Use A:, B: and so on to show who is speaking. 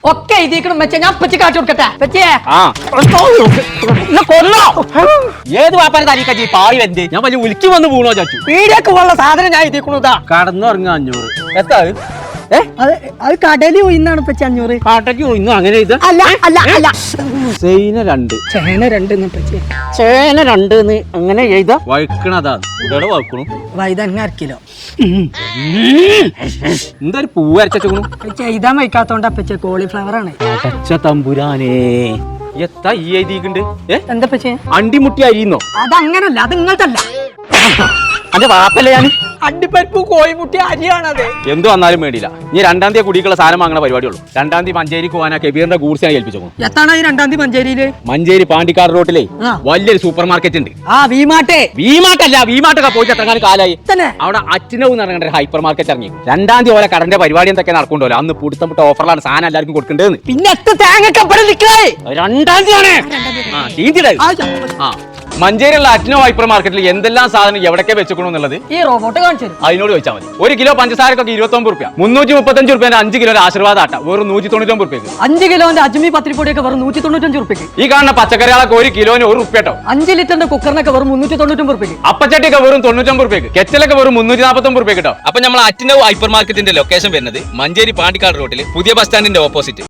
A: ഒക്കെ എഴുതിക്കണം വെച്ചാ ഞാൻ പറ്റി കാട്ടി കൊടുക്കട്ടെ പറ്റിയേ
B: കൊല്ലോ ഏത് വാപ്പാനെ തനിക്കജി പാവി വെന്ത് ഞാൻ വലിയ ഉലുക്കി വന്ന് വീണോ ചാച്ചു
A: പീടിയൊക്കെ ഉള്ള സാധനം ഞാൻ എഴുതിക്കണതാ.
B: കടന്നുറങ്ങാ 500 എത്താ
A: അത് കടലിൽ പോയിന്നാണ് പറ്റി 500.
B: കാട്ടയ്ക്ക് ഇന്നും അങ്ങനെ ഇത്
A: അല്ല അല്ല അല്ല
B: സൈന 2
A: ചേന 2 പറ്റി
B: ചേന 2 അങ്ങനെ എഴുതാ വഴുക്കണതാ ഇവിടെ വഴുക്കണു
A: വൈതങ്ങ 1 കിലോ
B: എന്താ ഒരു പൂവ് അരച്ചു
A: പറ്റി എഴുതാൻ വയ്ക്കാത്തോണ്ടാ പറ്റിയ കോളിഫ്ലവർ ആണ്.
B: അടച്ച തമ്പുരാനേ എത്താ ഈ എഴുതിയിട്ടുണ്ട്
A: എന്താ പറ്റിയ
B: അണ്ടിമുട്ടി അരിയുന്നോ
A: അതങ്ങനല്ല അത് ഇങ്ങോട്ടല്ല
B: അന്റെ വാപ്പല്ലേ ഞാൻ
A: അണ്ടിപ്പരിപ്പ് കോഴിമുട്ടി അരിയാണത്.
B: എന്ത് വന്നാലും വേണ്ടിയില്ല ഇനി 2-ാം തീയതി കുടിക്കുള്ള സാധനം വാങ്ങണ പരിപാടിയുള്ളൂ. 2-ാം തീയതി മഞ്ചേരിക്ക് പോകാനാ കെബീറിന്റെ ഗൂഡ്സിനെ ഏൽപ്പിച്ചു.
A: എത്താണ് ഈ 2-ാം തീയതി മഞ്ചേരിയില്?
B: മഞ്ചേരി പാണ്ടിക്കാട് റോട്ടിലെ വലിയൊരു സൂപ്പർ മാർക്കറ്റ് ഉണ്ട്. വിമാട്ടല്ല വിമാട്ടൊക്കെ പോയിട്ട് എത്രങ്ങാനും കാലായി. അവിടെ അച്ഛനവും നടക്കേണ്ട ഒരു ഹൈപ്പർ മാർക്കറ്റ് ഇറങ്ങി. 2-ാം തീയതി ഓരോ കടന്റെ പരിപാടി എന്തൊക്കെ നടക്കണ്ടല്ലോ. അന്ന് പുടുത്തം ഓഫറിലാണ് സാധനം എല്ലാവർക്കും കൊടുക്കേണ്ടത്.
A: പിന്നെ
B: 2-ാം തീയതിയാണ് മഞ്ചേരിയുള്ള അറ്റ്നോ ഹൈപ്പർ മാർക്കറ്റിൽ എന്തെല്ലാം സാധനം എവിടൊക്കെ വെച്ചേക്കണു എന്നുള്ളത്
A: ഈ റോബോട്ട് കാണിച്ചു
B: അതിനോട് ചോദിച്ചാൽ മതി. 1 കിലോ പഞ്ചസാരക്കൊക്കെ 29 രൂപ, 335 രൂപ 5 കിലോ ആശീർവാദ ആട്ട വെറും 199 രൂപയ്ക്ക്.
A: 5 കിലോന്റെ അജ്മി പത്തിരിപ്പൊടിയൊക്കെ വെറും 195 രൂപയ്ക്ക്.
B: ഈ കാണുന്ന പച്ചക്കറികളൊക്കെ 1 കിലോന് 1 രൂപ കേട്ടോ.
A: 5 ലിറ്ററിന്റെ കുക്കറിനൊക്കെ വെറും 399 രൂപയ്ക്ക്.
B: അപ്പച്ചട്ടിയൊക്കെ വെറും 99 രൂപയ്ക്ക്. കെറ്റലൊക്കെ വെറും 349 രൂപ കേട്ടോ. അപ്പൊ നമ്മൾ അറ്റ്നോ ഹൈപ്പർ മാർക്കറ്റിന്റെ ലൊക്കേഷൻ വരുന്നത് മഞ്ചേരി പാണ്ടിക്കാട് റോട്ടിൽ പുതിയ ബസ് സ്റ്റാൻഡിന്റെ ഓപ്പോസിറ്റ്.